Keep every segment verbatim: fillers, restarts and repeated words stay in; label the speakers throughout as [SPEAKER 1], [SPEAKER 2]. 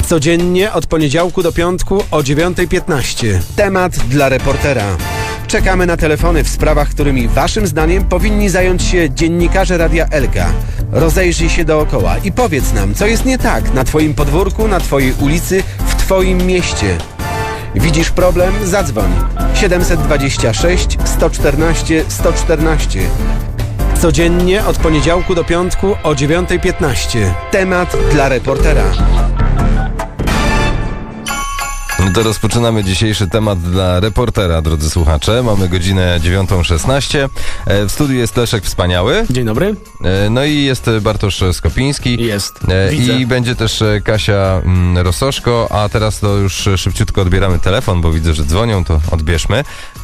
[SPEAKER 1] Codziennie od poniedziałku do piątku o dziewiąta piętnaście. Temat dla reportera. Czekamy na telefony w sprawach, którymi waszym zdaniem powinni zająć się dziennikarze Radia Elka. Rozejrzyj się dookoła i powiedz nam, co jest nie tak na twoim podwórku, na twojej ulicy, w twoim mieście. Widzisz problem? Zadzwoń. siedem dwa sześć, sto czternaście, sto czternaście. Codziennie od poniedziałku do piątku o dziewiąta piętnaście. Temat dla reportera.
[SPEAKER 2] To rozpoczynamy dzisiejszy temat dla reportera, drodzy słuchacze. Mamy godzinę dziewiątą szesnaście. W studiu jest Leszek Wspaniały.
[SPEAKER 3] Dzień dobry.
[SPEAKER 2] No i jest Bartosz Skopiński.
[SPEAKER 3] Jest.
[SPEAKER 2] Widzę. I będzie też Kasia Rososzko. A teraz to już szybciutko odbieramy telefon, bo widzę, że dzwonią, to odbierzmy.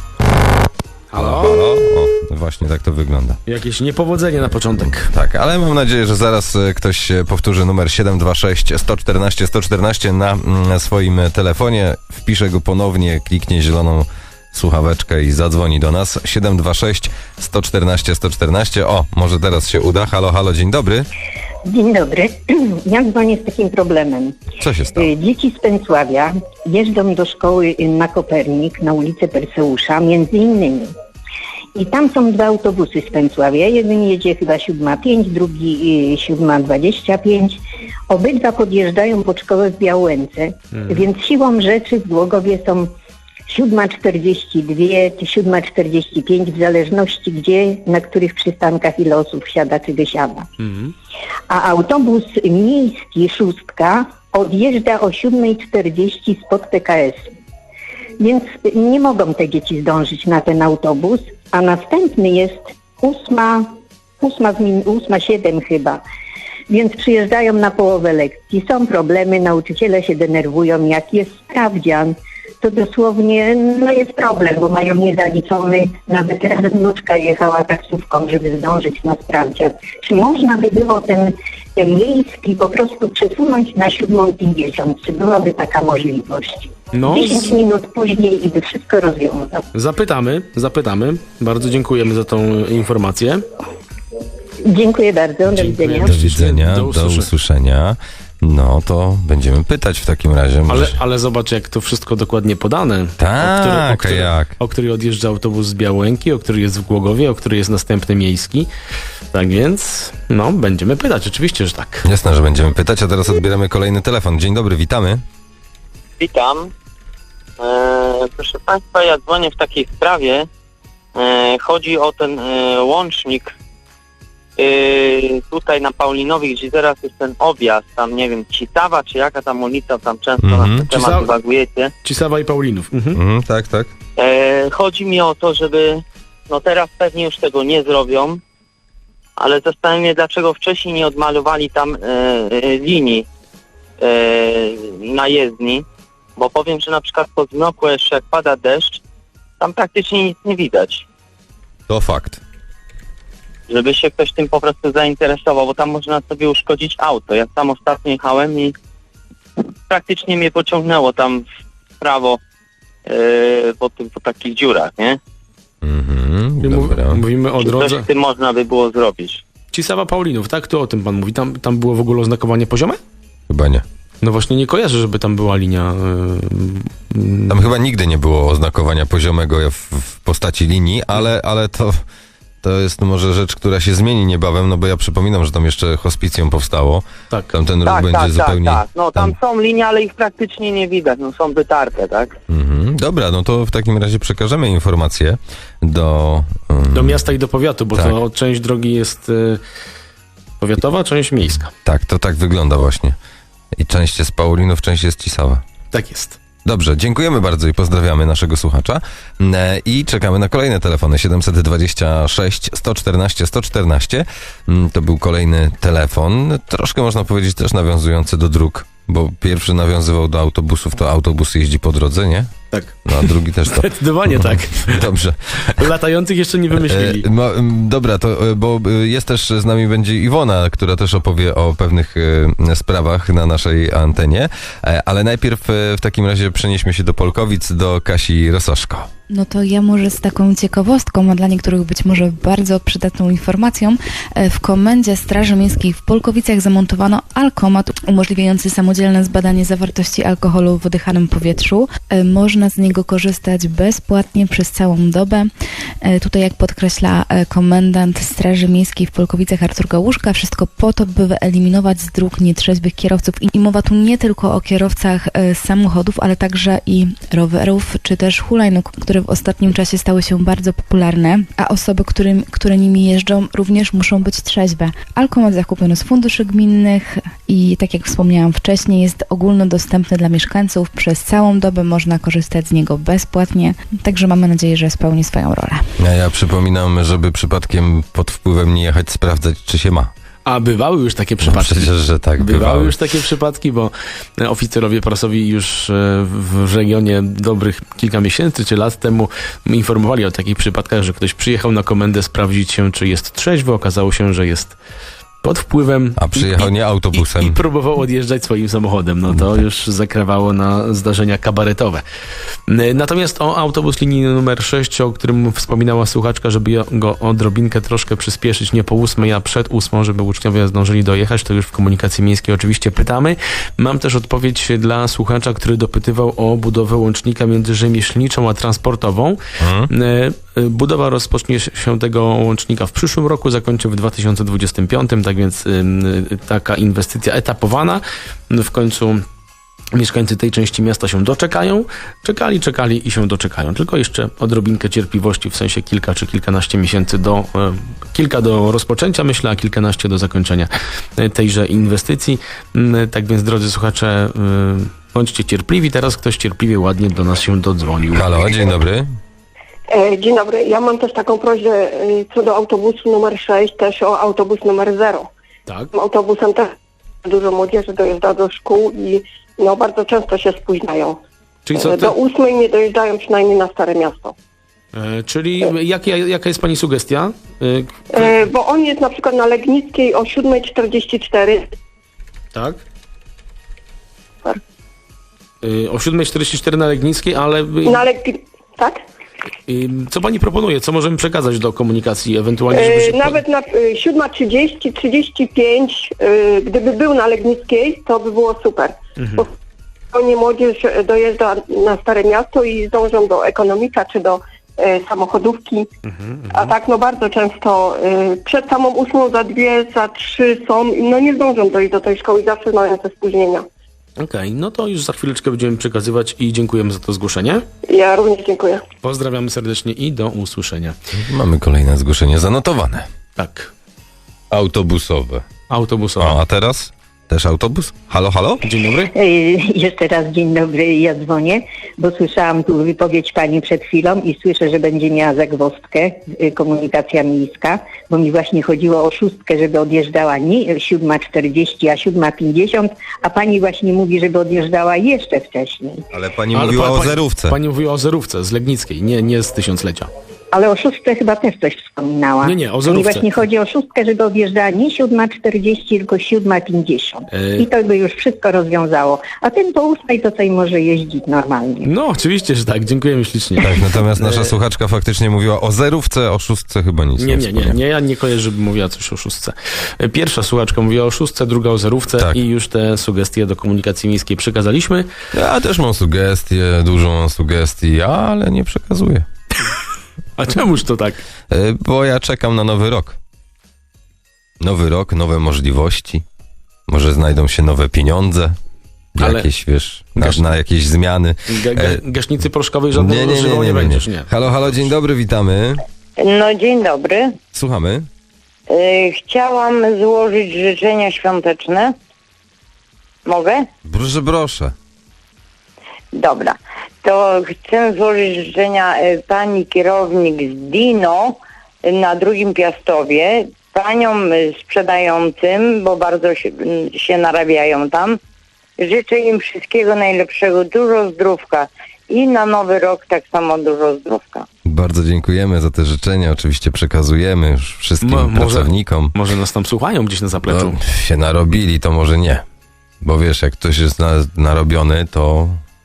[SPEAKER 3] Halo?
[SPEAKER 2] Halo? O, właśnie tak to wygląda.
[SPEAKER 3] Jakieś niepowodzenie na początek.
[SPEAKER 2] Tak, ale mam nadzieję, że zaraz ktoś powtórzy numer siedem dwa sześć, sto czternaście, sto czternaście na swoim telefonie, wpisze go ponownie, kliknie zieloną słuchaweczkę i zadzwoni do nas. siedem dwa sześć, sto czternaście, sto czternaście. O, może teraz się uda. Halo, halo, dzień dobry.
[SPEAKER 4] Dzień dobry. Ja dzwonię z takim problemem.
[SPEAKER 2] Co się stało?
[SPEAKER 4] Dzieci z Pęcławia jeżdżą do szkoły na Kopernik, na ulicę Perseusza, między innymi. I tam są dwa autobusy z Pęcławia. Jeden jedzie chyba siódma pięć, drugi siódma dwadzieścia pięć. Obydwa podjeżdżają pod szkołę w Białęce, hmm. więc siłą rzeczy w Głogowie są siódma czterdzieści dwa czy siódma czterdzieści pięć, w zależności gdzie, na których przystankach ile osób wsiada czy wysiada. Hmm. A autobus miejski szóstka odjeżdża o siódma czterdzieści spod P K S. Więc nie mogą te dzieci zdążyć na ten autobus, a następny jest ósma, ósma, ósma siedem chyba. Więc przyjeżdżają na połowę lekcji. Są problemy, nauczyciele się denerwują, jak jest sprawdzian, to dosłownie no jest problem, bo mają niezaliczony, nawet raz wnuczka jechała taksówką, żeby zdążyć na sprawdzian. Czy można by było ten, ten miejski po prostu przesunąć na siódmą pięćdziesiąt? Czy byłaby taka możliwość?
[SPEAKER 3] No,
[SPEAKER 4] dziesięć minut później i by wszystko rozwiązał.
[SPEAKER 3] Zapytamy, zapytamy. Bardzo dziękujemy za tą informację.
[SPEAKER 4] Dziękuję bardzo, do widzenia.
[SPEAKER 2] Do widzenia,
[SPEAKER 3] Do
[SPEAKER 2] do
[SPEAKER 3] usłyszenia.
[SPEAKER 2] usłyszenia. No to będziemy pytać w takim razie.
[SPEAKER 3] Ale,
[SPEAKER 2] Może...
[SPEAKER 3] ale zobacz, jak to wszystko dokładnie podane.
[SPEAKER 2] Tak,
[SPEAKER 3] o który, o
[SPEAKER 2] a
[SPEAKER 3] który,
[SPEAKER 2] jak?
[SPEAKER 3] o który odjeżdża autobus z Białęki, o który jest w Głogowie, o który jest następny miejski. Tak więc, no, będziemy pytać, oczywiście, że tak.
[SPEAKER 2] Jasne, że będziemy pytać, a teraz odbieramy kolejny telefon. Dzień dobry, witamy.
[SPEAKER 5] Witam. E, proszę Państwa, ja dzwonię w takiej sprawie. E, chodzi o ten e, łącznik e, tutaj na Paulinowie, gdzie teraz jest ten objazd, tam nie wiem, Cisawa czy jaka tam ulica, tam często
[SPEAKER 2] Mhm.
[SPEAKER 5] na ten temat
[SPEAKER 3] Cisa-
[SPEAKER 5] dywagujecie.
[SPEAKER 3] Cisawa i Paulinów. Mhm.
[SPEAKER 2] Mhm, tak, tak.
[SPEAKER 5] E, chodzi mi o to, żeby, no teraz pewnie już tego nie zrobią, ale zastanawiam się, dlaczego wcześniej nie odmalowali tam e, e, linii e, na jezdni. Bo powiem, że na przykład po zmroku jeszcze jak pada deszcz, tam praktycznie nic nie widać.
[SPEAKER 2] To fakt.
[SPEAKER 5] Żeby się ktoś tym po prostu zainteresował, bo tam można sobie uszkodzić auto. Ja sam ostatnio jechałem i praktycznie mnie pociągnęło tam w prawo yy, po, tym, po takich dziurach, nie?
[SPEAKER 2] Mhm,
[SPEAKER 3] I mów-
[SPEAKER 2] dobra.
[SPEAKER 3] Mówimy o
[SPEAKER 5] Czy coś
[SPEAKER 3] drodze
[SPEAKER 5] z tym można by było zrobić?
[SPEAKER 3] Cisawa Paulinów, tak? To o tym pan mówi. Tam, tam było w ogóle oznakowanie poziome?
[SPEAKER 2] Chyba nie.
[SPEAKER 3] No właśnie nie kojarzę, żeby tam była linia... Yy,
[SPEAKER 2] Tam chyba nigdy nie było oznakowania poziomego w, w postaci linii, ale, ale to, to jest może rzecz, która się zmieni niebawem, no bo ja przypominam, że tam jeszcze hospicjum powstało.
[SPEAKER 3] tak.
[SPEAKER 2] Tam ten ruch
[SPEAKER 5] Tak,
[SPEAKER 2] będzie
[SPEAKER 5] tak,
[SPEAKER 2] zupełnie...
[SPEAKER 5] tak, tak. No tam,
[SPEAKER 2] tam-
[SPEAKER 5] są linie, ale ich praktycznie nie widać. No są wytarte, tak?
[SPEAKER 2] Mhm, dobra, no to w takim razie przekażemy informację do... Um,
[SPEAKER 3] Do miasta i do powiatu, bo
[SPEAKER 2] tak.
[SPEAKER 3] to część drogi jest y, powiatowa, część miejska.
[SPEAKER 2] Tak, to tak wygląda właśnie. I część jest Paulinów, część jest Cisawa.
[SPEAKER 3] Tak jest.
[SPEAKER 2] Dobrze, dziękujemy bardzo i pozdrawiamy naszego słuchacza. E, I czekamy na kolejne telefony. siedem dwa sześć, sto czternaście, sto czternaście. Mm, To był kolejny telefon. Troszkę można powiedzieć też nawiązujący do dróg, bo pierwszy nawiązywał do autobusów, to autobus jeździ po drodze, nie?
[SPEAKER 3] Tak.
[SPEAKER 2] No a drugi też to.
[SPEAKER 3] Zdecydowanie tak.
[SPEAKER 2] Dobrze.
[SPEAKER 3] Latających jeszcze nie wymyślili.
[SPEAKER 2] E, mo, m, dobra, to e, bo e, jest też z nami będzie Iwona, która też opowie o pewnych e, sprawach na naszej antenie, e, ale najpierw e, w takim razie przenieśmy się do Polkowic, do Kasi Rososzko.
[SPEAKER 6] No to ja może z taką ciekawostką, a dla niektórych być może bardzo przydatną informacją. E, W Komendzie Straży Miejskiej w Polkowicach zamontowano alkomat umożliwiający samodzielne zbadanie zawartości alkoholu w oddychanym powietrzu. E, Można z niego korzystać bezpłatnie przez całą dobę. E, Tutaj, jak podkreśla e, komendant Straży Miejskiej w Polkowicach Artur Gałuszka, wszystko po to, by wyeliminować z dróg nietrzeźwych kierowców. I mowa tu nie tylko o kierowcach e, samochodów, ale także i rowerów, czy też hulajnóg, które w ostatnim czasie stały się bardzo popularne, a osoby, którym, które nimi jeżdżą, również muszą być trzeźwe. Alkomat zakupiony z funduszy gminnych i, tak jak wspomniałam wcześniej, jest ogólnodostępny dla mieszkańców. Przez całą dobę można korzystać z niego bezpłatnie, także mamy nadzieję, że spełni swoją rolę.
[SPEAKER 2] A ja przypominam, żeby przypadkiem pod wpływem nie jechać sprawdzać, czy się ma.
[SPEAKER 3] A bywały już takie
[SPEAKER 2] No
[SPEAKER 3] przypadki.
[SPEAKER 2] przecież, że tak,
[SPEAKER 3] Bywały
[SPEAKER 2] bywały.
[SPEAKER 3] już takie przypadki, bo oficerowie prasowi już e, w regionie dobrych kilka miesięcy czy lat temu informowali o takich przypadkach, że ktoś przyjechał na komendę sprawdzić się, czy jest trzeźwy. Okazało się, że jest pod wpływem.
[SPEAKER 2] A przyjechał
[SPEAKER 3] i,
[SPEAKER 2] nie autobusem.
[SPEAKER 3] I, I próbował odjeżdżać swoim samochodem. No to już zakrawało na zdarzenia kabaretowe. Natomiast o autobus linii numer sześć, o którym wspominała słuchaczka, żeby go odrobinkę troszkę przyspieszyć, nie po ósmej, a przed ósmą, żeby uczniowie zdążyli dojechać, to już w komunikacji miejskiej oczywiście pytamy. Mam też odpowiedź dla słuchacza, który dopytywał o budowę łącznika między rzemieślniczą a transportową.
[SPEAKER 2] Hmm?
[SPEAKER 3] Budowa rozpocznie się tego łącznika w przyszłym roku, zakończy w dwa tysiące dwudziestym piątym, tak więc y, y, taka inwestycja etapowana. W końcu mieszkańcy tej części miasta się doczekają. Czekali, czekali i się doczekają. Tylko jeszcze odrobinkę cierpliwości, w sensie kilka czy kilkanaście miesięcy do, y, kilka do rozpoczęcia, myślę, a kilkanaście do zakończenia tejże inwestycji. Y, tak więc, drodzy słuchacze, y, bądźcie cierpliwi. Teraz ktoś cierpliwie, ładnie do nas się dodzwonił.
[SPEAKER 2] Halo, dzień dobry.
[SPEAKER 7] E, Dzień dobry. Ja mam też taką prośbę e, co do autobusu numer sześć, też o autobus numer zero.
[SPEAKER 3] Tak.
[SPEAKER 7] Tym autobusem też dużo młodzieży dojeżdża do szkół i no bardzo często się spóźniają.
[SPEAKER 3] Czyli co,
[SPEAKER 7] E,
[SPEAKER 3] ty,
[SPEAKER 7] Do ósmej nie dojeżdżają przynajmniej na Stare Miasto.
[SPEAKER 3] e, czyli jak, jaka jest pani sugestia? E,
[SPEAKER 7] E, Bo on jest na przykład na Legnickiej o siódma czterdzieści cztery.
[SPEAKER 3] tak?
[SPEAKER 7] Super.
[SPEAKER 3] E, o siódma czterdzieści cztery na Legnickiej, ale e,
[SPEAKER 7] Na Leg... Tak?
[SPEAKER 3] e, co pani proponuje? Co możemy przekazać do komunikacji ewentualnie, żeby
[SPEAKER 7] E,
[SPEAKER 3] się...
[SPEAKER 7] Nawet na e, siódma trzydzieści, trzydzieści pięć, e, gdyby był na Legnickiej, to by było super.
[SPEAKER 3] Mhm.
[SPEAKER 7] Bo nie młodzież dojeżdża na Stare Miasto i zdążą do ekonomika czy do e, samochodówki.
[SPEAKER 3] Mhm,
[SPEAKER 7] A tak no bardzo często e, przed samą ósmą za dwie, za trzy są i no nie zdążą dojść do tej szkoły i zawsze mają te spóźnienia.
[SPEAKER 3] Okej, no to już za chwileczkę będziemy przekazywać i dziękujemy za to zgłoszenie.
[SPEAKER 7] Ja również dziękuję.
[SPEAKER 3] Pozdrawiamy serdecznie i do usłyszenia.
[SPEAKER 2] Mamy kolejne zgłoszenie zanotowane.
[SPEAKER 3] Tak,
[SPEAKER 2] Autobusowe.
[SPEAKER 3] autobusowe.
[SPEAKER 2] O, a teraz? Też autobus? Halo, halo?
[SPEAKER 3] Dzień dobry.
[SPEAKER 4] Ej, Jeszcze raz dzień dobry, ja dzwonię, bo słyszałam tu wypowiedź pani przed chwilą i słyszę, że będzie miała zagwozdkę y, komunikacja miejska, bo mi właśnie chodziło o szóstkę, żeby odjeżdżała nie siódma czterdzieści, a siódma pięćdziesiąt, a pani właśnie mówi, żeby odjeżdżała jeszcze wcześniej.
[SPEAKER 2] Ale pani
[SPEAKER 3] Ale
[SPEAKER 2] mówiła
[SPEAKER 3] pa-
[SPEAKER 2] o
[SPEAKER 3] pani-
[SPEAKER 2] zerówce.
[SPEAKER 3] Pani mówiła o zerówce z Legnickiej, nie, nie z tysiąclecia.
[SPEAKER 4] Ale o szóstce chyba też coś wspominała.
[SPEAKER 3] Nie, nie, o
[SPEAKER 4] Mi
[SPEAKER 3] zerówce.
[SPEAKER 4] właśnie chodzi o szóstkę, żeby odjeżdżała nie siódma czterdzieści, tylko siódma pięćdziesiąt.
[SPEAKER 3] Ej.
[SPEAKER 4] I to by już wszystko rozwiązało. A ten po ósmej to tutaj może jeździć normalnie.
[SPEAKER 3] No, oczywiście, że tak. Dziękujemy ślicznie.
[SPEAKER 2] Tak, natomiast nasza słuchaczka faktycznie mówiła o zerówce, o szóstce chyba nic
[SPEAKER 3] Nie, nie, nie,
[SPEAKER 2] wspomniała.
[SPEAKER 3] nie, ja nie kojarzę, żeby mówiła coś o szóstce. Pierwsza słuchaczka mówiła o szóstce, druga o zerówce
[SPEAKER 2] Tak.
[SPEAKER 3] i już te sugestie do komunikacji miejskiej przekazaliśmy.
[SPEAKER 2] Ja też mam sugestie, dużo mam sugestii, ale nie przekazuję.
[SPEAKER 3] A czemuż to tak?
[SPEAKER 2] E, Bo ja czekam na nowy rok. Nowy rok, nowe możliwości. Może znajdą się nowe pieniądze.
[SPEAKER 3] Ale-
[SPEAKER 2] Jakieś, wiesz, na,
[SPEAKER 3] Gasz-
[SPEAKER 2] na jakieś zmiany.
[SPEAKER 3] Ga- ga-
[SPEAKER 2] E,
[SPEAKER 3] gaśnicy proszkowej żadnego używał nie, będziesz, nie.
[SPEAKER 2] Halo, halo, dzień dobry, witamy.
[SPEAKER 8] No dzień dobry.
[SPEAKER 2] Słuchamy.
[SPEAKER 8] Y, Chciałam złożyć życzenia świąteczne. Mogę?
[SPEAKER 2] Proszę, proszę.
[SPEAKER 8] Dobra. To chcę złożyć życzenia y, pani kierownik z Dino y, na drugim Piastowie, paniom y, sprzedającym, bo bardzo się, y, się narabiają tam. Życzę im wszystkiego najlepszego, dużo zdrówka i na nowy rok tak samo dużo zdrówka.
[SPEAKER 2] Bardzo dziękujemy za te życzenia. Oczywiście przekazujemy już wszystkim
[SPEAKER 3] Mo- może-
[SPEAKER 2] pracownikom.
[SPEAKER 3] Może nas tam słuchają gdzieś na zapleczu.
[SPEAKER 2] No, się narobili, to może nie. Bo wiesz, jak ktoś jest na, narobiony, to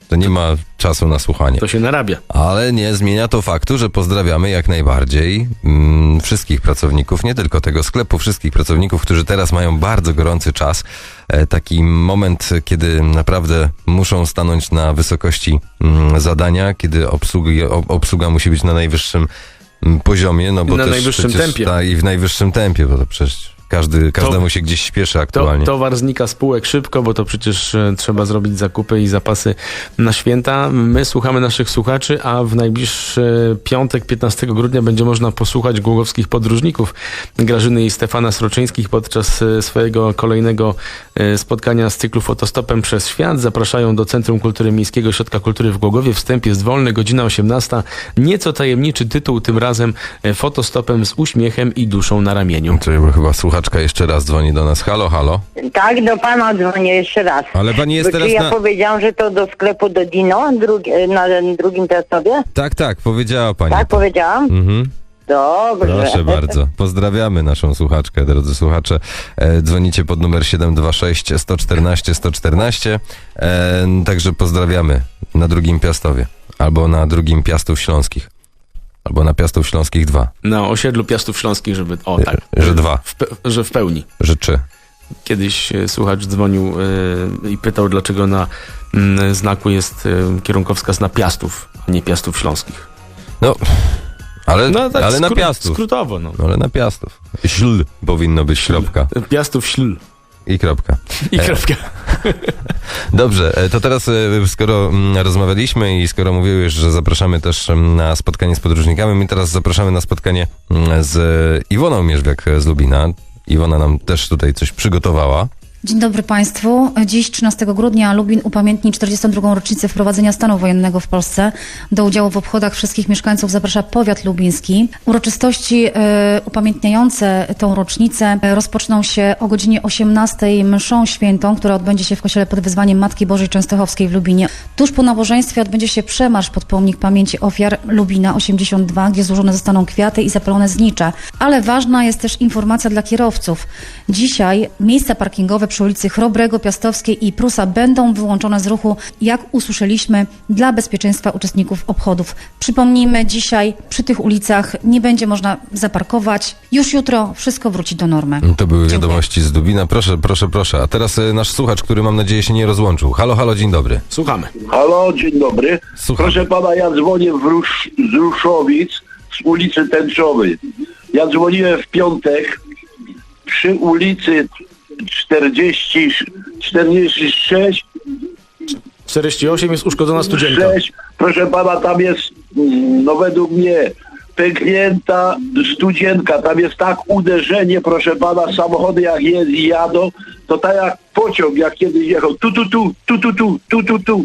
[SPEAKER 2] To nie ma czasu na słuchanie.
[SPEAKER 3] To się narabia.
[SPEAKER 2] Ale nie zmienia to faktu, że pozdrawiamy jak najbardziej mm, wszystkich pracowników, nie tylko tego sklepu, wszystkich pracowników, którzy teraz mają bardzo gorący czas. E, taki moment, kiedy naprawdę muszą stanąć na wysokości mm, zadania, kiedy obsługi, ob, obsługa musi być na najwyższym mm, poziomie. No bo
[SPEAKER 3] na
[SPEAKER 2] też
[SPEAKER 3] najwyższym
[SPEAKER 2] przecież,
[SPEAKER 3] tempie.
[SPEAKER 2] Ta, I w najwyższym tempie, bo to przecież każdy, każdemu
[SPEAKER 3] To-
[SPEAKER 2] się gdzieś śpieszy
[SPEAKER 3] To,
[SPEAKER 2] aktualnie.
[SPEAKER 3] towar znika z półek szybko, bo to przecież e, trzeba zrobić zakupy i zapasy na święta. My słuchamy naszych słuchaczy, a w najbliższy piątek, piętnastego grudnia, będzie można posłuchać głogowskich podróżników Grażyny i Stefana Sroczyńskich podczas e, swojego kolejnego e, spotkania z cyklu Fotostopem przez świat. Zapraszają do Centrum Kultury Miejskiego Ośrodka Kultury w Głogowie. Wstęp jest wolny, godzina osiemnasta. Nieco tajemniczy tytuł, tym razem e, Fotostopem z uśmiechem i duszą na ramieniu.
[SPEAKER 2] Czyli chyba słuchaczka jeszcze raz dzwoni do nas. Halo, halo.
[SPEAKER 8] Tak, do pana dzwonię jeszcze raz.
[SPEAKER 2] Ale pani jest
[SPEAKER 8] Bo
[SPEAKER 2] teraz
[SPEAKER 8] czy ja
[SPEAKER 2] na...
[SPEAKER 8] powiedziałam, że to do sklepu do Dino drugi, na drugim Piastowie?
[SPEAKER 2] Tak, tak, powiedziała pani.
[SPEAKER 8] Tak, powiedziałam?
[SPEAKER 2] Mhm.
[SPEAKER 8] Dobrze.
[SPEAKER 2] Proszę bardzo. Pozdrawiamy naszą słuchaczkę, drodzy słuchacze. E, dzwonicie pod numer siedem dwa sześć, sto czternaście, sto czternaście. E, także pozdrawiamy na drugim Piastowie. Albo na drugim Piastów Śląskich. Albo na Piastów Śląskich dwa.
[SPEAKER 3] Na osiedlu Piastów Śląskich, żeby... O, tak.
[SPEAKER 2] Że dwa.
[SPEAKER 3] W, pe- że w pełni.
[SPEAKER 2] Że trzy.
[SPEAKER 3] Kiedyś e, słuchacz dzwonił e, i pytał, dlaczego na mm, znaku jest e, kierunkowskaz na Piastów, a nie Piastów Śląskich.
[SPEAKER 2] No, ale,
[SPEAKER 3] No tak
[SPEAKER 2] ale na
[SPEAKER 3] skró-
[SPEAKER 2] Piastów.
[SPEAKER 3] skrótowo, no.
[SPEAKER 2] No, ale na Piastów. Śl powinno być kropka.
[SPEAKER 3] Piastów Śl
[SPEAKER 2] I kropka.
[SPEAKER 3] i kropka.
[SPEAKER 2] Dobrze, e, to teraz e, skoro mm, rozmawialiśmy i skoro mówiłeś, że zapraszamy też mm, na spotkanie z podróżnikami, my teraz zapraszamy na spotkanie mm, z Iwoną Mierzwiak z Lubina. Iwona nam też tutaj coś przygotowała.
[SPEAKER 9] Dzień dobry Państwu. Dziś, trzynastego grudnia, Lubin upamiętni czterdziestą drugą rocznicę wprowadzenia stanu wojennego w Polsce. Do udziału w obchodach wszystkich mieszkańców zaprasza powiat lubiński. Uroczystości e, upamiętniające tą rocznicę e, rozpoczną się o godzinie osiemnastej mszą świętą, która odbędzie się w kościele pod wezwaniem Matki Bożej Częstochowskiej w Lubinie. Tuż po nabożeństwie odbędzie się przemarsz pod pomnik pamięci ofiar Lubina osiemdziesiąt dwa, gdzie złożone zostaną kwiaty i zapalone znicze. Ale ważna jest też informacja dla kierowców. Dzisiaj miejsca parkingowe przy ulicy Chrobrego, Piastowskiej i Prusa będą wyłączone z ruchu, jak usłyszeliśmy, dla bezpieczeństwa uczestników obchodów. Przypomnijmy, dzisiaj przy tych ulicach nie będzie można zaparkować. Już jutro wszystko wróci do normy.
[SPEAKER 2] To były
[SPEAKER 9] Dziękuję.
[SPEAKER 2] wiadomości z Lubina. Proszę, proszę, proszę. A teraz e, nasz słuchacz, który mam nadzieję się nie rozłączył. Halo, halo, dzień dobry.
[SPEAKER 3] Słuchamy.
[SPEAKER 10] Halo, dzień dobry.
[SPEAKER 2] Słucham.
[SPEAKER 10] Proszę pana, ja dzwonię w Rusz, z Ruszowic, z ulicy Tęczowej. Ja dzwoniłem w piątek przy ulicy czterdzieści, czterdzieści sześć,
[SPEAKER 3] czterdzieści osiem jest uszkodzona studzienka.
[SPEAKER 10] sześć. Proszę pana, tam jest, mm, no według mnie, pęknięta studzienka. Tam jest tak uderzenie, proszę pana, samochody jak jest i jadą, to tak jak pociąg, jak kiedyś jechał. Tu, tu, tu, tu, tu, tu, tu, tu, tu.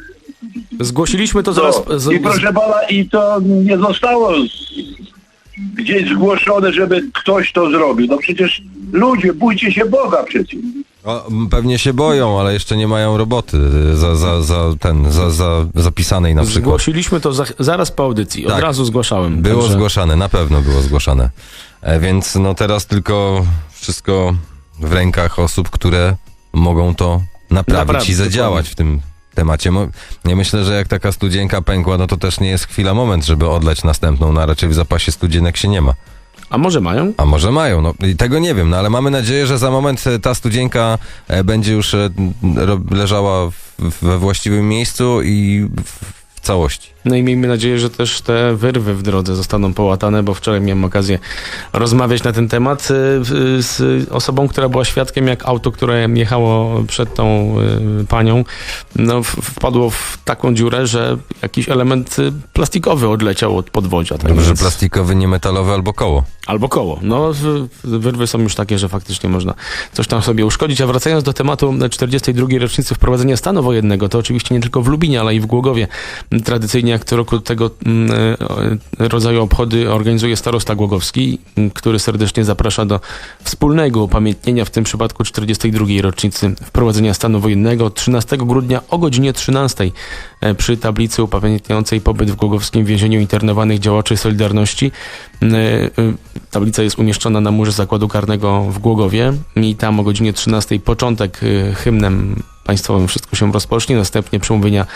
[SPEAKER 3] Zgłosiliśmy to
[SPEAKER 10] No,
[SPEAKER 3] zaraz... Z,
[SPEAKER 10] I proszę pana, i to nie zostało z, gdzieś zgłoszone, żeby ktoś to zrobił. No przecież ludzie, bójcie się Boga przecież.
[SPEAKER 2] O, m, pewnie się boją, ale jeszcze nie mają roboty e, za, za, za ten, za, za zapisanej na przykład.
[SPEAKER 3] Zgłosiliśmy to za, zaraz po audycji. Od
[SPEAKER 2] Tak.
[SPEAKER 3] razu zgłaszałem.
[SPEAKER 2] Było
[SPEAKER 3] Także
[SPEAKER 2] zgłaszane, na pewno było zgłaszane. E, więc no teraz tylko wszystko w rękach osób, które mogą to naprawić
[SPEAKER 3] Naprawić,
[SPEAKER 2] i zadziałać
[SPEAKER 3] dokładnie.
[SPEAKER 2] w tym temacie. Mo- Ja myślę, że jak taka studzienka pękła, no to też nie jest chwila, moment, żeby odlać następną, no a raczej w zapasie studzienek się nie ma.
[SPEAKER 3] A może mają?
[SPEAKER 2] A może mają, no i tego nie wiem, no ale mamy nadzieję, że za moment e, ta studzienka e, będzie już e, ro- leżała w, we właściwym miejscu i w, w całości.
[SPEAKER 3] No i miejmy nadzieję, że też te wyrwy w drodze zostaną połatane, bo wczoraj miałem okazję rozmawiać na ten temat y, y, z osobą, która była świadkiem, jak auto, które jechało przed tą y, panią, no, w- wpadło w taką dziurę, że jakiś element y, plastikowy odleciał od podwozia. Tak
[SPEAKER 2] Dobrze,
[SPEAKER 3] więc-
[SPEAKER 2] plastikowy, nie metalowy albo koło.
[SPEAKER 3] Albo koło. No, w- wyrwy są już takie, że faktycznie można coś tam sobie uszkodzić. A wracając do tematu czterdziestej drugiej rocznicy wprowadzenia stanu wojennego, to oczywiście nie tylko w Lubinie, ale i w Głogowie. Tradycyjnie jak co roku tego mm, e, rodzaju obchody organizuje starosta głogowski, m, który serdecznie zaprasza do wspólnego upamiętnienia, w tym przypadku czterdziestej drugiej rocznicy wprowadzenia stanu wojennego trzynastego grudnia o godzinie trzynastej e, przy tablicy upamiętniającej pobyt w głogowskim więzieniu internowanych działaczy Solidarności. E, e, Tablica jest umieszczona na murze zakładu karnego w Głogowie i tam o godzinie trzynastej początek e, hymnem państwowym wszystko się rozpocznie, następnie przemówienia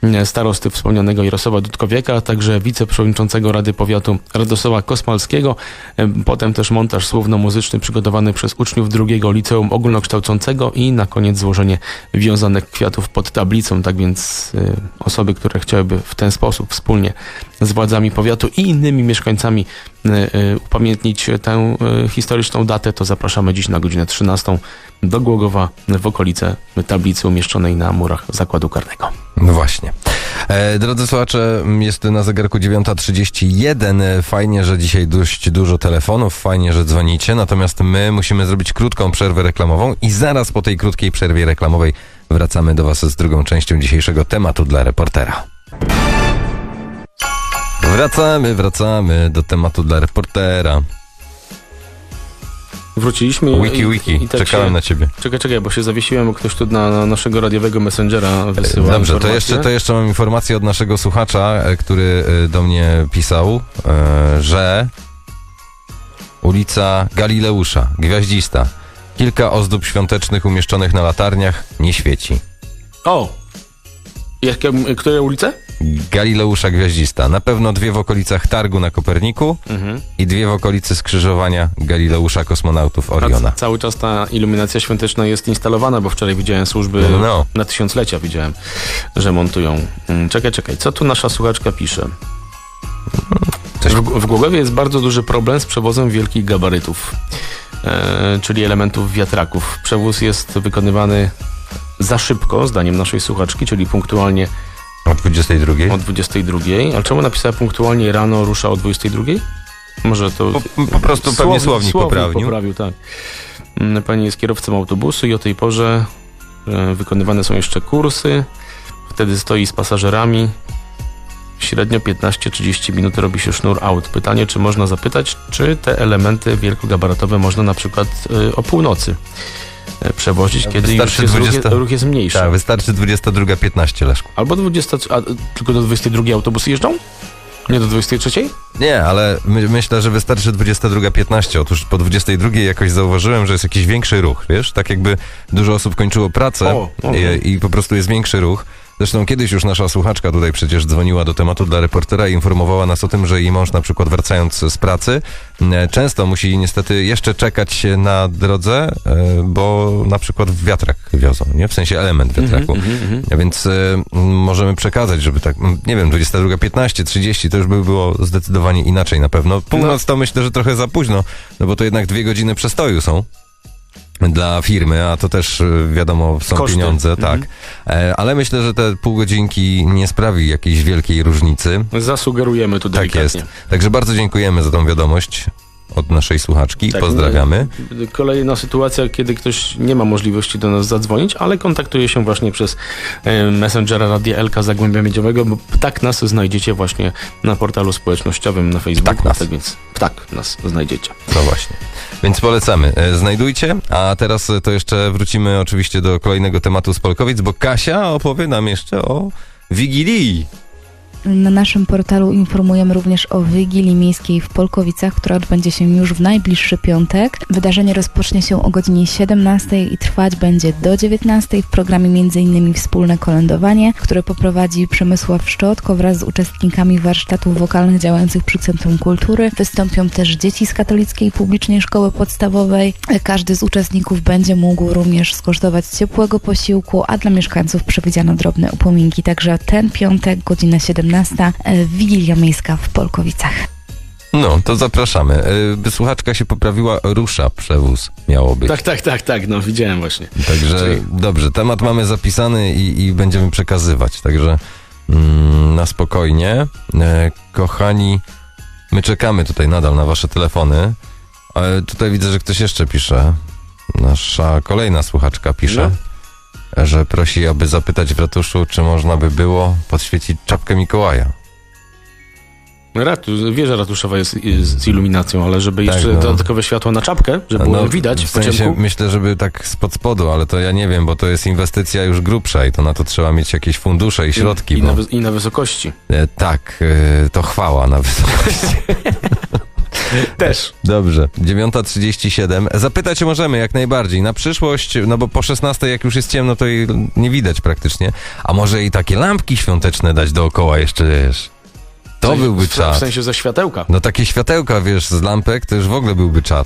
[SPEAKER 3] starosty wspomnianego Jarosława Dudkowiaka, a także wiceprzewodniczącego Rady Powiatu Radosława Kosmalskiego. Potem też montaż słowno-muzyczny przygotowany przez uczniów drugiego liceum ogólnokształcącego i na koniec złożenie wiązanych kwiatów pod tablicą. Tak więc y, osoby, które chciałyby w ten sposób wspólnie z władzami powiatu i innymi mieszkańcami y, y, upamiętnić tę y, historyczną datę, to zapraszamy dziś na godzinę trzynastą do Głogowa w okolice tablicy umieszczonej na murach zakładu karnego.
[SPEAKER 2] No właśnie. E, drodzy słuchacze, jest na zegarku dziewiąta trzydzieści jeden. Fajnie, że dzisiaj dość dużo telefonów, fajnie, że dzwonicie, natomiast my musimy zrobić krótką przerwę reklamową i zaraz po tej krótkiej przerwie reklamowej wracamy do Was z drugą częścią dzisiejszego tematu dla reportera. Wracamy, wracamy do tematu dla reportera.
[SPEAKER 3] Wróciliśmy.
[SPEAKER 2] Wiki,
[SPEAKER 3] i,
[SPEAKER 2] wiki,
[SPEAKER 3] i tak
[SPEAKER 2] czekałem
[SPEAKER 3] się,
[SPEAKER 2] na ciebie.
[SPEAKER 3] Czekaj, czekaj, bo się zawiesiłem, bo ktoś tu na, na naszego radiowego messengera wysyła
[SPEAKER 2] Dobrze,
[SPEAKER 3] informacje.
[SPEAKER 2] to jeszcze, to jeszcze mam informację od naszego słuchacza, e, który e, do mnie pisał, e, że ulica Galileusza, Gwiaździsta, kilka ozdób świątecznych umieszczonych na latarniach nie świeci.
[SPEAKER 3] O! Jakie, które ulice?
[SPEAKER 2] Galileusza Gwiaździsta. Na pewno dwie w okolicach Targu na Koperniku
[SPEAKER 3] Mhm.
[SPEAKER 2] i dwie w okolicy skrzyżowania Galileusza Kosmonautów Oriona.
[SPEAKER 3] A c- cały czas ta iluminacja świąteczna jest instalowana, bo wczoraj widziałem służby
[SPEAKER 2] No.
[SPEAKER 3] na tysiąclecia, widziałem, że montują. Mm, Czekaj, czekaj, co tu nasza słuchaczka pisze?
[SPEAKER 2] Coś...
[SPEAKER 3] W, w Głogowie jest bardzo duży problem z przewozem wielkich gabarytów, e, czyli elementów wiatraków. Przewóz jest wykonywany za szybko, zdaniem naszej słuchaczki, czyli punktualnie
[SPEAKER 2] O dwudziestej drugiej?
[SPEAKER 3] o dwudziestej drugiej. Ale czemu napisała punktualnie rano rusza o dwudziestej drugiej? Może to...
[SPEAKER 2] Po, po prostu pewnie słownik,
[SPEAKER 3] słownik
[SPEAKER 2] poprawił.
[SPEAKER 3] poprawił, tak. Mm, Pani jest kierowcą autobusu i o tej porze e, wykonywane są jeszcze kursy. Wtedy stoi z pasażerami. Średnio piętnaście trzydzieści minut robi się sznur aut. Pytanie, czy można zapytać, czy te elementy wielkogabarytowe można na przykład e, o północy e, przewozić, kiedy już
[SPEAKER 2] Wystarczy
[SPEAKER 3] jest,
[SPEAKER 2] dwudziesta
[SPEAKER 3] ruch, jest, ruch jest mniejszy.
[SPEAKER 2] Tak, wystarczy dwudziesta druga piętnaście, Leszku.
[SPEAKER 3] Albo dwudziesta, a tylko do dwudziestej drugiej autobusy jeżdżą? Nie do dwudziestej trzeciej?
[SPEAKER 2] Nie, ale my, myślę, że wystarczy dwudziesta druga piętnaście. Otóż po dwudziestej drugiej jakoś zauważyłem, że jest jakiś większy ruch, wiesz? Tak jakby dużo osób kończyło pracę
[SPEAKER 3] O, o.
[SPEAKER 2] i, i po prostu jest większy ruch. Zresztą kiedyś już nasza słuchaczka tutaj przecież dzwoniła do tematu dla reportera i informowała nas o tym, że jej mąż na przykład wracając z pracy e, często musi niestety jeszcze czekać na drodze, e, bo na przykład wiatrak wiozą, nie? W sensie element wiatraku.
[SPEAKER 3] Mhm, mhm, mhm.
[SPEAKER 2] A Więc e, m, możemy przekazać, żeby tak, m, nie wiem, dwudziesta druga piętnaście, trzydzieści, to już by było zdecydowanie inaczej na pewno. Północ to myślę, że trochę za późno, no bo to jednak dwie godziny przestoju są dla firmy, a to też y, wiadomo są
[SPEAKER 3] Koszty.
[SPEAKER 2] pieniądze, tak.
[SPEAKER 3] Mhm.
[SPEAKER 2] E, ale myślę, że te pół godzinki nie sprawi jakiejś wielkiej różnicy.
[SPEAKER 3] Zasugerujemy tu
[SPEAKER 2] Tak
[SPEAKER 3] delikatnie.
[SPEAKER 2] jest. Także bardzo dziękujemy za tą wiadomość od naszej słuchaczki.
[SPEAKER 3] Tak,
[SPEAKER 2] Pozdrawiamy.
[SPEAKER 3] Kolejna sytuacja, kiedy ktoś nie ma możliwości do nas zadzwonić, ale kontaktuje się właśnie przez e, Messengera Radia Elka Zagłębia Miedziowego, bo tak nas znajdziecie właśnie na portalu społecznościowym na Facebooku.
[SPEAKER 2] Ptak nas.
[SPEAKER 3] Tak więc ptak nas znajdziecie.
[SPEAKER 2] No właśnie. Więc polecamy. E, Znajdujcie, a teraz e, to jeszcze wrócimy oczywiście do kolejnego tematu z Polkowic, bo Kasia opowie nam jeszcze o Wigilii.
[SPEAKER 6] Na naszym portalu informujemy również o Wigilii Miejskiej w Polkowicach, która odbędzie się już w najbliższy piątek. Wydarzenie rozpocznie się o godzinie siedemnastej i trwać będzie do dziewiętnastej. W programie m.in. wspólne kolędowanie, które poprowadzi Przemysław Szczotko wraz z uczestnikami warsztatów wokalnych działających przy Centrum Kultury. Wystąpią też dzieci z Katolickiej Publicznej Szkoły Podstawowej. Każdy z uczestników będzie mógł również skosztować ciepłego posiłku, a dla mieszkańców przewidziano drobne upominki. Także ten piątek, godzina siedemnasta, Wigilia Miejska w Polkowicach.
[SPEAKER 2] No, to zapraszamy. Y, Słuchaczka się poprawiła, rusza przewóz miało być.
[SPEAKER 3] Tak, tak, tak, tak, no widziałem właśnie.
[SPEAKER 2] Także
[SPEAKER 3] Czyli-
[SPEAKER 2] dobrze, temat mamy zapisany i, i będziemy przekazywać. Także mm, na spokojnie. E, kochani, my czekamy tutaj nadal na wasze telefony. E, tutaj widzę, że ktoś jeszcze pisze. Nasza kolejna słuchaczka pisze, że prosi, aby zapytać w ratuszu, czy można by było podświecić czapkę Mikołaja.
[SPEAKER 3] Ratu, wieża ratuszowa jest z, z iluminacją, ale żeby
[SPEAKER 2] Tak,
[SPEAKER 3] jeszcze
[SPEAKER 2] no.
[SPEAKER 3] dodatkowe światło na czapkę, żeby było widać
[SPEAKER 2] w
[SPEAKER 3] w
[SPEAKER 2] sensie
[SPEAKER 3] pociemku.
[SPEAKER 2] myślę, żeby tak spod spodu, ale to ja nie wiem, bo to jest inwestycja już grubsza i to na to trzeba mieć jakieś fundusze i środki.
[SPEAKER 3] I,
[SPEAKER 2] bo...
[SPEAKER 3] na, wy- I na wysokości.
[SPEAKER 2] E, tak, e, to chwała na wysokości.
[SPEAKER 3] Też.
[SPEAKER 2] Dobrze, dziewiąta trzydzieści siedem. Zapytać możemy jak najbardziej. Na przyszłość, no bo po szesnastej jak już jest ciemno, to i nie widać praktycznie. A może i takie lampki świąteczne dać dookoła jeszcze, wiesz? To
[SPEAKER 3] W-
[SPEAKER 2] byłby
[SPEAKER 3] w, w
[SPEAKER 2] czad.
[SPEAKER 3] sensie ze światełka.
[SPEAKER 2] No takie światełka, wiesz, z lampek, to już w ogóle byłby czad.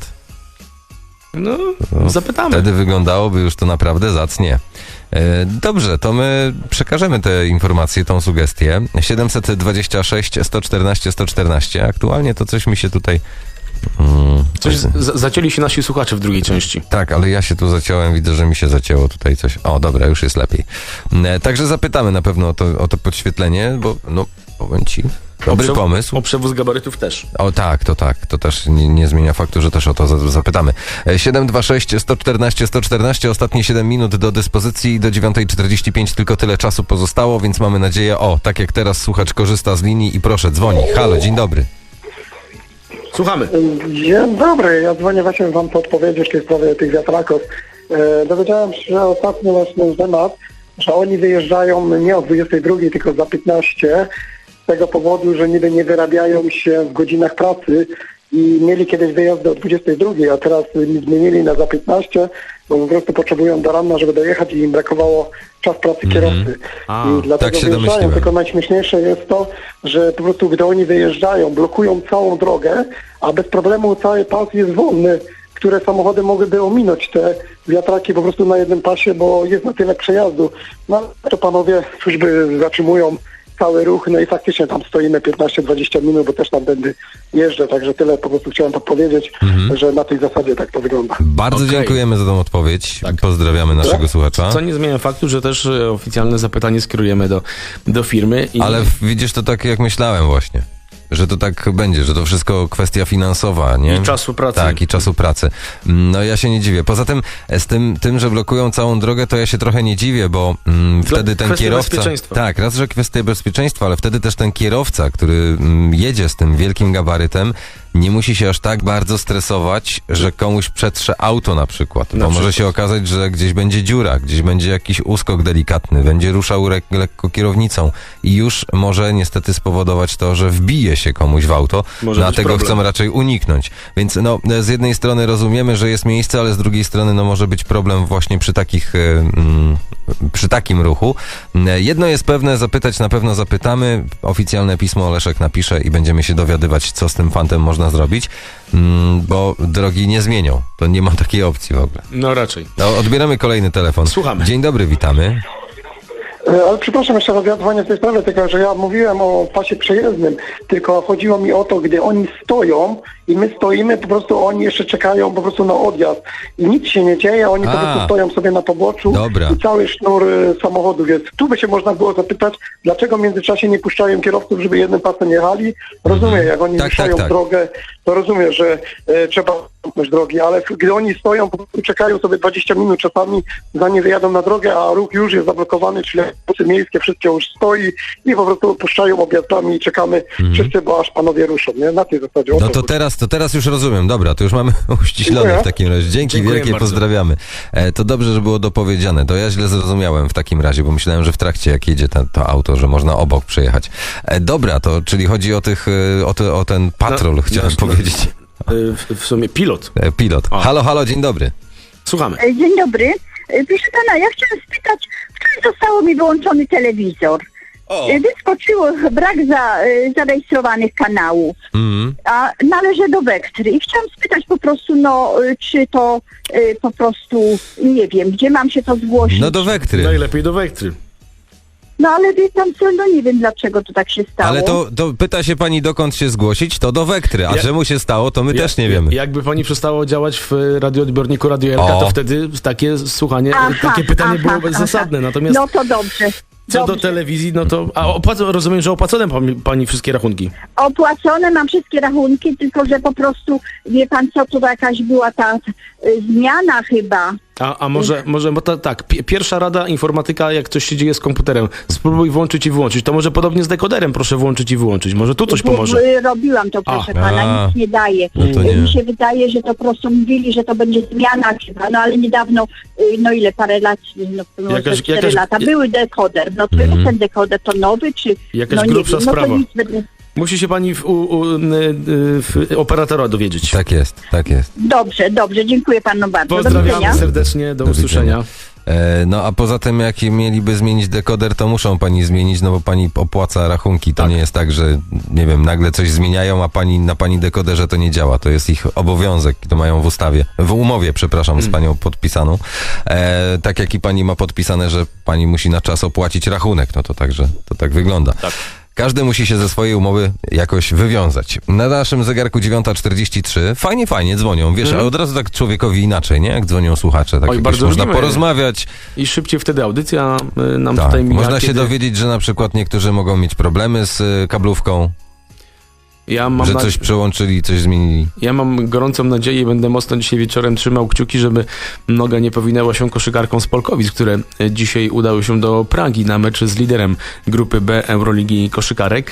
[SPEAKER 3] No,
[SPEAKER 2] No,
[SPEAKER 3] zapytamy.
[SPEAKER 2] Wtedy wyglądało już to naprawdę zacnie. E, Dobrze, to my przekażemy te informacje, tą sugestię. siedemset dwadzieścia sześć sto czternaście sto czternaście. Aktualnie to coś mi się tutaj... Mm,
[SPEAKER 3] Coś z- zacięli się nasi słuchacze w drugiej części.
[SPEAKER 2] Tak, ale ja się tu zaciąłem, widzę, że mi się zacięło tutaj coś. O, dobra, już jest lepiej. E, Także zapytamy na pewno o to, o to podświetlenie, bo no, powiem ci, dobry
[SPEAKER 3] O przew-
[SPEAKER 2] pomysł.
[SPEAKER 3] O przewóz gabarytów też.
[SPEAKER 2] O tak, to tak, to też nie, nie zmienia faktu, że też o to za- zapytamy. E, siedem dwa sześć sto czternaście sto czternaście, ostatnie siedem minut do dyspozycji, do dziewiątej czterdzieści pięć tylko tyle czasu pozostało, więc mamy nadzieję, o, tak jak teraz słuchacz korzysta z linii i proszę, dzwoni. Halo, dzień dobry.
[SPEAKER 3] Słuchamy.
[SPEAKER 11] Dzień dobry, ja dzwonię właśnie wam podpowiedzieć w tej sprawie tych wiatraków. E, dowiedziałem się, że ostatnio właśnie temat, że oni wyjeżdżają nie o dwudziestej drugiej, tylko za piętnaście, z tego powodu, że niby nie wyrabiają się w godzinach pracy i mieli kiedyś wyjazdy o dwudziestej drugiej, a teraz zmienili na za piętnaście, bo po prostu potrzebują do rana, żeby dojechać i im brakowało czas pracy kierowcy.
[SPEAKER 3] A,
[SPEAKER 11] I dlatego
[SPEAKER 2] tak się
[SPEAKER 11] wyjeżdżają,
[SPEAKER 2] domyśliłem.
[SPEAKER 11] tylko najśmieszniejsze jest to, że po prostu gdy oni wyjeżdżają, blokują całą drogę, a bez problemu cały pas jest wolny, które samochody mogłyby ominąć te wiatraki po prostu na jednym pasie, bo jest na tyle przejazdu. No ale to panowie służby zatrzymują cały ruch, no i faktycznie tam stoimy piętnaście dwadzieścia minut, bo też tam będę jeżdżę, także tyle po prostu chciałem podpowiedzieć, że na tej zasadzie tak to wygląda.
[SPEAKER 2] Bardzo
[SPEAKER 3] Okej.
[SPEAKER 2] dziękujemy za tą odpowiedź.
[SPEAKER 3] Tak.
[SPEAKER 2] Pozdrawiamy naszego słuchacza.
[SPEAKER 3] Co nie zmienia faktu, że też e, oficjalne zapytanie skierujemy do, do firmy. I
[SPEAKER 2] Ale w- widzisz, to tak jak myślałem właśnie. Że to tak będzie, że to wszystko kwestia finansowa, nie?
[SPEAKER 3] I czasu pracy.
[SPEAKER 2] Tak, i czasu pracy. No ja się nie dziwię. Poza tym z tym, tym że blokują całą drogę, to ja się trochę nie dziwię, bo mm,
[SPEAKER 3] Dla-
[SPEAKER 2] wtedy ten
[SPEAKER 3] kwestia
[SPEAKER 2] kierowca...
[SPEAKER 3] bezpieczeństwa.
[SPEAKER 2] Tak, raz, że kwestia bezpieczeństwa, ale wtedy też ten kierowca, który mm, jedzie z tym wielkim gabarytem, nie musi się aż tak bardzo stresować, że komuś przetrze auto na przykład.
[SPEAKER 3] Na
[SPEAKER 2] bo może
[SPEAKER 3] przykład.
[SPEAKER 2] się okazać, że gdzieś będzie dziura, gdzieś będzie jakiś uskok delikatny, będzie ruszał re- lekko kierownicą i już może niestety spowodować to, że wbije się komuś w auto,
[SPEAKER 3] Może
[SPEAKER 2] no, a
[SPEAKER 3] być
[SPEAKER 2] tego
[SPEAKER 3] problem.
[SPEAKER 2] chcą raczej uniknąć. Więc no, z jednej strony rozumiemy, że jest miejsce, ale z drugiej strony no, może być problem właśnie przy takich, y, mm, przy takim ruchu. Y, Jedno jest pewne, zapytać na pewno zapytamy. Oficjalne pismo Leszek napisze i będziemy się dowiadywać, co z tym fantem można zrobić, mm, bo drogi nie zmienią. To nie ma takiej opcji w ogóle.
[SPEAKER 3] No raczej.
[SPEAKER 2] No, odbieramy kolejny telefon.
[SPEAKER 3] Słuchamy.
[SPEAKER 2] Dzień dobry, witamy.
[SPEAKER 11] E, Ale przepraszam jeszcze raz, ja dzwonię w tej sprawie, tylko że ja mówiłem o pasie przejezdnym, tylko chodziło mi o to, gdy oni stoją i my stoimy, po prostu oni jeszcze czekają po prostu na odjazd i nic się nie dzieje, oni
[SPEAKER 2] A.
[SPEAKER 11] po prostu stoją sobie na poboczu
[SPEAKER 2] Dobra.
[SPEAKER 11] i cały sznur e, samochodów jest. Tu by się można było zapytać, dlaczego w międzyczasie nie puszczają kierowców, żeby jednym pasem jechali. Rozumiem, jak oni
[SPEAKER 2] Tak,
[SPEAKER 11] ruszają
[SPEAKER 2] tak, tak.
[SPEAKER 11] drogę, to rozumiem, że e, trzeba zamknąć drogi, ale gdy oni stoją, po prostu czekają sobie dwadzieścia minut czasami, zanim wyjadą na drogę, a ruch już jest zablokowany, czyli autobusy miejskie, wszystko już stoi i po prostu puszczają objazdami i czekamy wszyscy, bo aż panowie ruszą, nie? Na tej zasadzie. O
[SPEAKER 2] Mhm. No to
[SPEAKER 11] chodzi.
[SPEAKER 2] teraz, to teraz już rozumiem. Dobra, to już mamy uściślone
[SPEAKER 11] Dziękuję.
[SPEAKER 2] w takim razie. Dzięki
[SPEAKER 3] Dziękuję
[SPEAKER 2] wielkie,
[SPEAKER 3] bardzo.
[SPEAKER 2] pozdrawiamy. E, to dobrze, że było dopowiedziane. To ja źle zrozumiałem w takim razie, bo myślałem, że w trakcie jak jedzie ten, to auto, że można obok przejechać. E, dobra, to czyli chodzi o tych, e, o, te, o ten patrol,
[SPEAKER 3] No,
[SPEAKER 2] chciałem
[SPEAKER 3] no,
[SPEAKER 2] powiedzieć.
[SPEAKER 3] Y, W, w sumie pilot.
[SPEAKER 2] E, pilot.
[SPEAKER 3] O.
[SPEAKER 2] Halo, halo, dzień dobry.
[SPEAKER 3] Słuchamy.
[SPEAKER 12] E, Dzień dobry. E, Proszę pana, ja chciałam spytać, wczoraj zostało mi wyłączony telewizor. E, Wyskoczyło brak za, e, zarejestrowanych kanałów,
[SPEAKER 2] Mm.
[SPEAKER 12] a należy do Wektry. I chciałam spytać po prostu, no, e, czy to e, po prostu, nie wiem, gdzie mam się to zgłosić.
[SPEAKER 2] No do Wektry.
[SPEAKER 3] Najlepiej do Wektry.
[SPEAKER 12] No ale wie pan co, no nie wiem dlaczego to tak się stało.
[SPEAKER 2] Ale to, to pyta się pani, dokąd się zgłosić, to do Wektry. A
[SPEAKER 3] Ja-
[SPEAKER 2] czemu się stało, to my
[SPEAKER 3] Ja-
[SPEAKER 2] też nie wiemy.
[SPEAKER 3] Jakby pani przestało działać w radioodbiorniku Radio L K,
[SPEAKER 2] O.
[SPEAKER 3] to wtedy takie słuchanie,
[SPEAKER 12] Aha,
[SPEAKER 3] takie pytanie
[SPEAKER 12] aha,
[SPEAKER 3] byłoby
[SPEAKER 12] aha.
[SPEAKER 3] zasadne. Natomiast
[SPEAKER 12] No to dobrze.
[SPEAKER 3] co do
[SPEAKER 12] dobrze.
[SPEAKER 3] telewizji, no to... A opłac- rozumiem, że opłacone pani, pani wszystkie rachunki.
[SPEAKER 12] Opłacone mam wszystkie rachunki, tylko że po prostu, wie pan co, to jakaś była ta y, zmiana chyba.
[SPEAKER 3] A, a może, może bo ta, tak, pi- pierwsza rada informatyka, jak coś się dzieje z komputerem, spróbuj włączyć i wyłączyć. To może podobnie z dekoderem, proszę włączyć i wyłączyć. Może tu coś
[SPEAKER 12] Bo-
[SPEAKER 3] pomoże.
[SPEAKER 12] bo Robiłam to, proszę
[SPEAKER 3] A.
[SPEAKER 12] pana,
[SPEAKER 2] A.
[SPEAKER 12] nic nie daje.
[SPEAKER 2] No to nie.
[SPEAKER 12] Mi się wydaje, że to po prostu mówili, że to będzie zmiana chyba, no ale niedawno, y, no ile, parę lat, no może
[SPEAKER 3] Jakaś-
[SPEAKER 12] cztery
[SPEAKER 3] jakaś-
[SPEAKER 12] lata, były dekoder. No to
[SPEAKER 2] Mhm.
[SPEAKER 12] jest ten dekoder, to nowy, czy...
[SPEAKER 3] Jakaś
[SPEAKER 12] no nie
[SPEAKER 3] grubsza
[SPEAKER 12] wiem, no
[SPEAKER 3] sprawa.
[SPEAKER 12] to nic będę...
[SPEAKER 3] Musi się pani w, u, u, w operatora dowiedzieć.
[SPEAKER 2] Tak jest, tak jest.
[SPEAKER 12] Dobrze, dobrze, dziękuję panu bardzo. Do
[SPEAKER 3] Pozdrawiamy
[SPEAKER 12] widzenia.
[SPEAKER 3] serdecznie, do,
[SPEAKER 2] Do
[SPEAKER 3] usłyszenia.
[SPEAKER 2] E, No a poza tym, jak mieliby zmienić dekoder, to muszą pani zmienić, no bo pani opłaca rachunki. To
[SPEAKER 3] Tak.
[SPEAKER 2] nie jest tak, że nie wiem, nagle coś zmieniają, a pani na pani dekoderze to nie działa. To jest ich obowiązek, to mają w ustawie, w umowie, przepraszam, z panią podpisaną. E, tak jak i pani ma podpisane, że pani musi na czas opłacić rachunek, no to także to tak wygląda.
[SPEAKER 3] Tak.
[SPEAKER 2] Każdy musi się ze swojej umowy jakoś wywiązać. Na naszym zegarku dziewiąta czterdzieści trzy. Fajnie, fajnie dzwonią. Wiesz,
[SPEAKER 3] Mhm.
[SPEAKER 2] a od razu tak człowiekowi inaczej, nie? Jak dzwonią słuchacze. Tak
[SPEAKER 3] Oj,
[SPEAKER 2] jakoś
[SPEAKER 3] bardzo
[SPEAKER 2] można
[SPEAKER 3] lubimy.
[SPEAKER 2] porozmawiać.
[SPEAKER 3] I szybciej wtedy audycja y, nam
[SPEAKER 2] Tak.
[SPEAKER 3] tutaj mija.
[SPEAKER 2] Można się
[SPEAKER 3] kiedy-
[SPEAKER 2] dowiedzieć, że na przykład niektórzy mogą mieć problemy z y, kablówką,
[SPEAKER 3] Ja mam
[SPEAKER 2] że
[SPEAKER 3] na-
[SPEAKER 2] coś przełączyli, coś zmienili.
[SPEAKER 3] Ja mam gorącą nadzieję i będę mocno dzisiaj wieczorem trzymał kciuki, żeby noga nie powinęła się koszykarkom z Polkowic, które dzisiaj udały się do Pragi na mecz z liderem grupy B Euroligi koszykarek.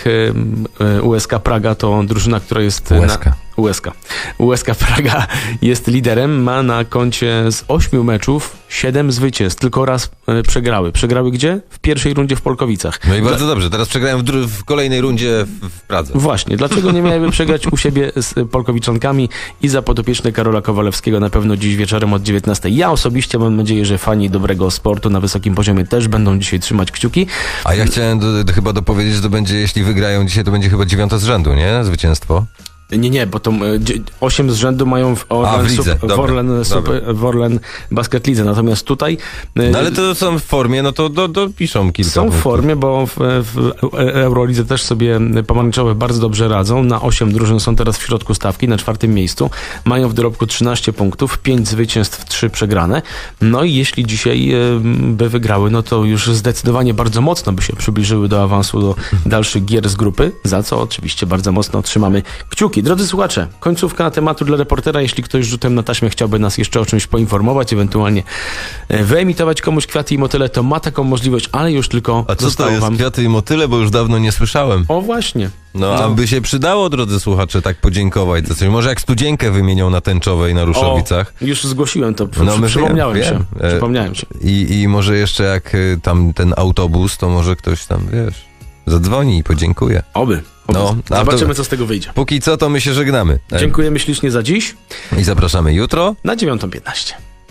[SPEAKER 3] U S K Praga to drużyna, która jest...
[SPEAKER 2] U S K.
[SPEAKER 3] Na... U S K. U S K Praga jest liderem, ma na koncie z ośmiu meczów siedem zwycięstw, tylko raz e, przegrały. Przegrały gdzie? W pierwszej rundzie w Polkowicach.
[SPEAKER 2] No i bardzo dobrze. Teraz przegrałem w, dru- w kolejnej rundzie w, w Pradze.
[SPEAKER 3] Właśnie, dlaczego nie miałyby przegrać u siebie z Polkowiczankami i za podopieczne Karola Kowalewskiego na pewno dziś wieczorem od dziewiętnastej. Ja osobiście mam nadzieję, że fani dobrego sportu na wysokim poziomie też będą dzisiaj trzymać kciuki.
[SPEAKER 2] A ja chciałem do, do, chyba dopowiedzieć, że to będzie, jeśli wygrają dzisiaj, to będzie chyba dziewiąte z rzędu, nie? Zwycięstwo.
[SPEAKER 3] Nie, nie, bo to e, dzie- osiem z rzędu mają w Orlen,
[SPEAKER 2] A, w lidze.
[SPEAKER 3] Sup- w
[SPEAKER 2] Dobra,
[SPEAKER 3] Orlen,
[SPEAKER 2] dobra.
[SPEAKER 3] Super, w Orlen Basket Lidze. Natomiast tutaj e,
[SPEAKER 2] No ale to są w formie, no to do, dopiszą kilka
[SPEAKER 3] są w
[SPEAKER 2] punktów.
[SPEAKER 3] formie, bo w, w Eurolidze też sobie pomarańczowe bardzo dobrze radzą. Na osiem drużyn są teraz w środku stawki, na czwartym miejscu. Mają w dorobku trzynaście punktów, pięć zwycięstw, trzy przegrane. No i jeśli dzisiaj e, by wygrały, no to już zdecydowanie bardzo mocno by się przybliżyły do awansu do dalszych gier z grupy, za co oczywiście bardzo mocno trzymamy kciuki. Drodzy słuchacze, końcówka tematu dla reportera. Jeśli ktoś rzutem na taśmę chciałby nas jeszcze o czymś poinformować, ewentualnie e, wyemitować komuś kwiaty i motyle, to ma taką możliwość, ale już tylko
[SPEAKER 2] A co to
[SPEAKER 3] zostało
[SPEAKER 2] jest
[SPEAKER 3] wam...
[SPEAKER 2] kwiaty i motyle, bo już dawno nie słyszałem.
[SPEAKER 3] O właśnie.
[SPEAKER 2] No,
[SPEAKER 3] No.
[SPEAKER 2] a by się przydało, drodzy słuchacze, tak podziękować za coś. Może jak studzienkę wymienią na Tęczowej, na Ruszowicach.
[SPEAKER 3] O, już zgłosiłem to,
[SPEAKER 2] No,
[SPEAKER 3] przy,
[SPEAKER 2] my
[SPEAKER 3] przypomniałem
[SPEAKER 2] wiem,
[SPEAKER 3] się.
[SPEAKER 2] wiem. E,
[SPEAKER 3] Przypomniałem się.
[SPEAKER 2] I, I może jeszcze jak y, tam ten autobus, to może ktoś tam, wiesz, zadzwoni i podziękuje.
[SPEAKER 3] Oby. oby.
[SPEAKER 2] No, a
[SPEAKER 3] Zobaczymy,
[SPEAKER 2] to-
[SPEAKER 3] co z tego wyjdzie.
[SPEAKER 2] Póki co, to my się żegnamy. E,
[SPEAKER 3] Dziękujemy ślicznie za dziś.
[SPEAKER 2] I zapraszamy jutro.
[SPEAKER 3] Na dziewiątą piętnaście.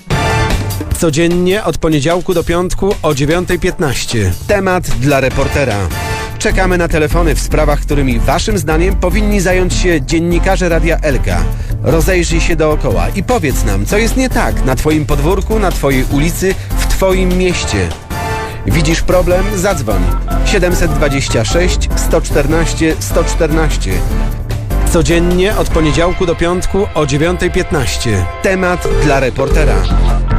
[SPEAKER 1] Codziennie od poniedziałku do piątku o dziewiątej piętnaście. Temat dla reportera. Czekamy na telefony w sprawach, którymi waszym zdaniem powinni zająć się dziennikarze Radia Elka. Rozejrzyj się dookoła i powiedz nam, co jest nie tak na twoim podwórku, na twojej ulicy, w twoim mieście. Widzisz problem? Zadzwoń. siedem dwa sześć, sto czternaście, sto czternaście. Codziennie od poniedziałku do piątku o dziewiątej piętnaście. Temat dla reportera.